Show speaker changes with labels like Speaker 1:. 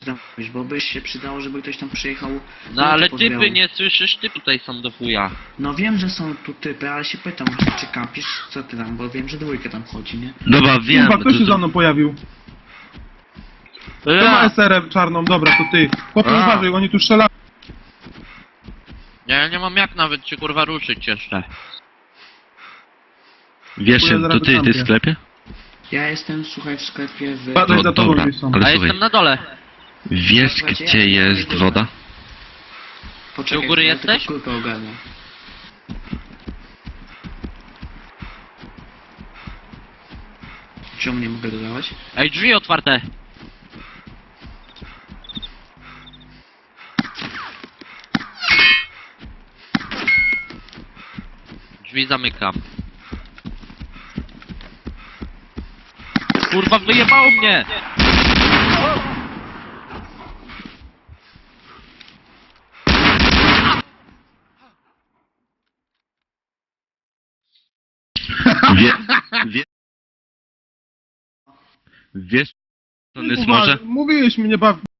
Speaker 1: zrobić, bo by się przydało, żeby ktoś tam przyjechał.
Speaker 2: No ale
Speaker 1: pozbierał.
Speaker 2: typy, nie słyszysz? Ty tutaj są do chuja.
Speaker 1: No wiem, że są tu typy, ale się pytam, czy kampisz, co ty tam, bo wiem, że dwójka tam chodzi, nie?
Speaker 3: Dobra, wiem.
Speaker 4: Kurwa, kto się za mną pojawił? Kto ma SR czarną? Dobra, to ty. Chłopie,
Speaker 2: A.
Speaker 4: uważaj, oni tu strzelają.
Speaker 2: Ja nie mam jak nawet się kurwa ruszyć jeszcze.
Speaker 3: Wiesz,
Speaker 4: Chuja,
Speaker 3: to
Speaker 4: zaraz
Speaker 3: ty
Speaker 4: wykampię.
Speaker 3: w sklepie?
Speaker 1: Ja jestem, słuchaj, w sklepie w...
Speaker 4: Uważaj za tobą
Speaker 3: dobra,
Speaker 4: gdzieś są.
Speaker 3: ale
Speaker 2: A
Speaker 3: słuchaj,
Speaker 2: jestem na dole.
Speaker 3: wiesz gdzie jest woda?
Speaker 1: Poczekaj,
Speaker 2: Ty u góry
Speaker 1: ja
Speaker 2: jesteś?
Speaker 1: tylko kulkę ogarnę. Czemu nie mogę dodawać?
Speaker 2: Ej, drzwi otwarte. Drzwi zamykam. Kurwa, wyjebało mnie!
Speaker 3: Wie, wie, wiesz, to jest może?
Speaker 4: Mówiłeś mnie, baw...